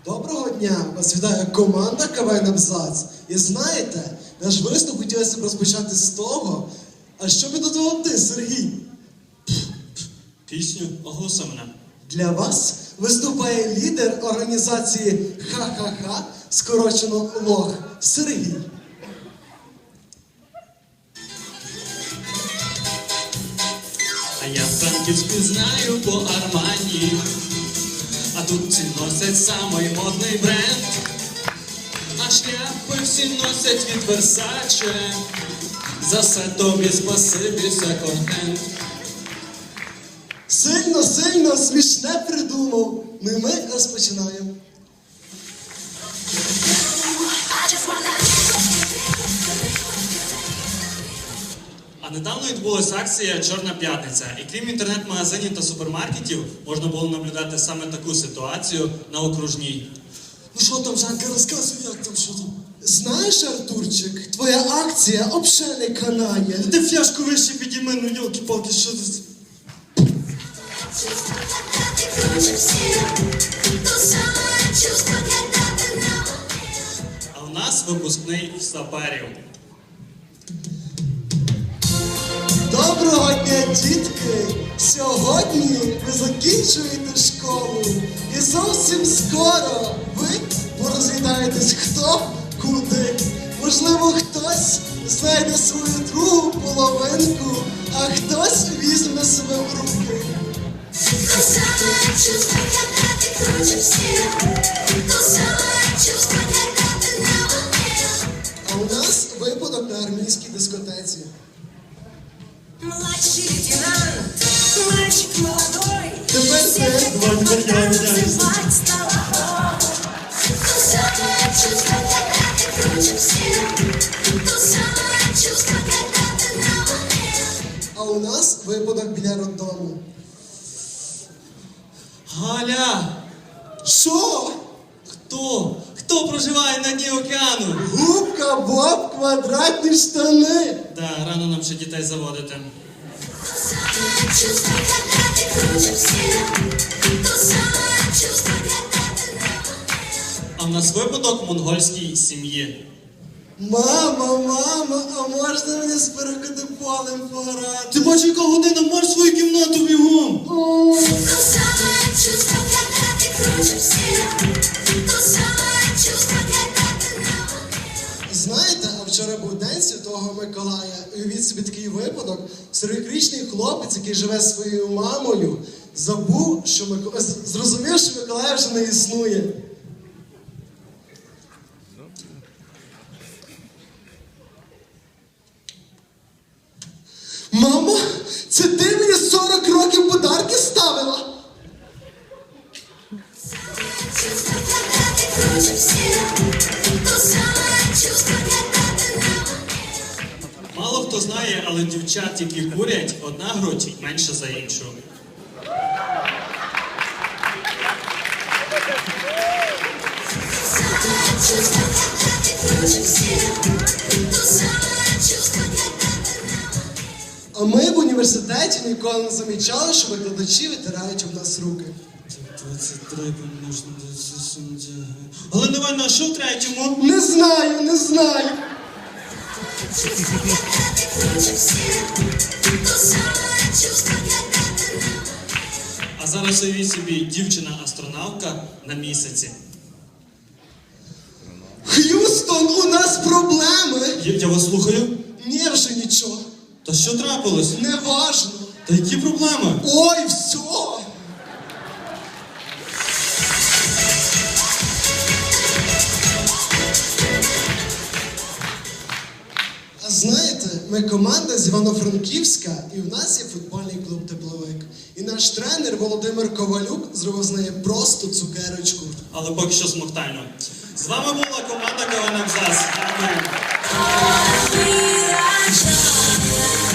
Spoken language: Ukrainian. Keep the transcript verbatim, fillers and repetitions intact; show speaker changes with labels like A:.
A: Доброго дня! Вас вітає команда КВН «Абзац». І знаєте, наш виступ хотілося б розпочати з того, а що підготував ти, Сергій?
B: Пісню «Оголоси мене».
A: Для вас виступає лідер організації «Ха-ха-ха», скорочено «Лох», Сергій.
B: А я Франківську знаю по Армані, а тут всі носять самий модний бренд, а шляпи всі носять від Версаче, за все тобі спасибі, секонд-хенд.
A: Сильно, сильно, смішне придумав. Ну і ми розпочинаємо.
B: А недавно відбулася акція «Чорна п'ятниця», і крім інтернет-магазинів та супермаркетів, можна було наблюдати саме таку ситуацію на Окружній.
A: Ну що там, Жанка, розказуй, як там, що там? Знаєш, Артурчик, твоя акція взагалі не канає.
B: Ти фляжку вище підійми, ну йолки-палки, що ти... А у нас випускний саперів.
A: Доброго дня, дітки! Сьогодні ви закінчуєте школу. І зовсім скоро ви порозглядаєтесь хто куди. Можливо, хтось знайде свою другу половинку, а хтось візьме себе в руки. А у нас випадок на армійській дискотеці.
C: Младший лейтенант, мальчик молодой,
A: Тепер
C: все
A: ти.
C: хотят танцевать с тобой. То самое чувство, когда ты круче всех, то самое чувство, когда ты на волне.
A: А у нас випадок біля роддому.
B: Галя!
A: Що?
B: Хто? Хто проживає на дні океану?
A: Губка, Боб, квадратні штани.
B: Да, рано нам ще дітей заводити.
C: То самое чувство, когда ты круче всех, то самое чувство, когда ты на волне.
B: А в нас випадок в монгольській сім'ї.
A: Мама, мама, а можна мені з перекидиполем пограти?
B: Ти бачиш, яка година, марш свою кімнату бігом!
A: О,
C: То самое чувство, когда ты круче всех, то самое чувство, когда ты на волне.
A: знаєте, а вчора був день Святого Миколая. І уявіть собі такий випадок. сорокарічний хлопець, який живе зі своєю мамою, забув, що Микола... зрозумів, що Миколая вже не існує. Мамо, це ти мені сорок років подарки ставила?
C: Чувство, когда ты круче всех, то самое чувство, когда ты на волне.
B: Мало хто знає, але дівчат, які курять, одна грудь менше за іншу.
C: Самое чувство, когда ты круче всех, то самое чувство, когда ты на волне.
A: А ми в університеті ніколи не замічали, що викладачі витирають об нас руки.
B: двадцять три помножити на двадцять сім. Але давай на що в третьому?
A: Не знаю, не знаю.
C: Чувство, когда ты круче всех, то самое чувство, когда ты на волне.
B: А зараз уявіть собі, дівчина-астронавтка на місяці.
A: Х'юстон, у нас проблеми.
B: Я, я вас слухаю.
A: Ні, вже нічого.
B: Та що трапилось?
A: Не важно.
B: Та які проблеми?
A: Ой, все. А знаєте, ми команда з Івано-Франківська, і в нас є футбольний клуб «Тепловик». І наш тренер Володимир Ковалюк зробив з неї просто цукерочку.
B: Але поки що смоктально. З вами була команда КВН «Абзац». Дякую.
C: We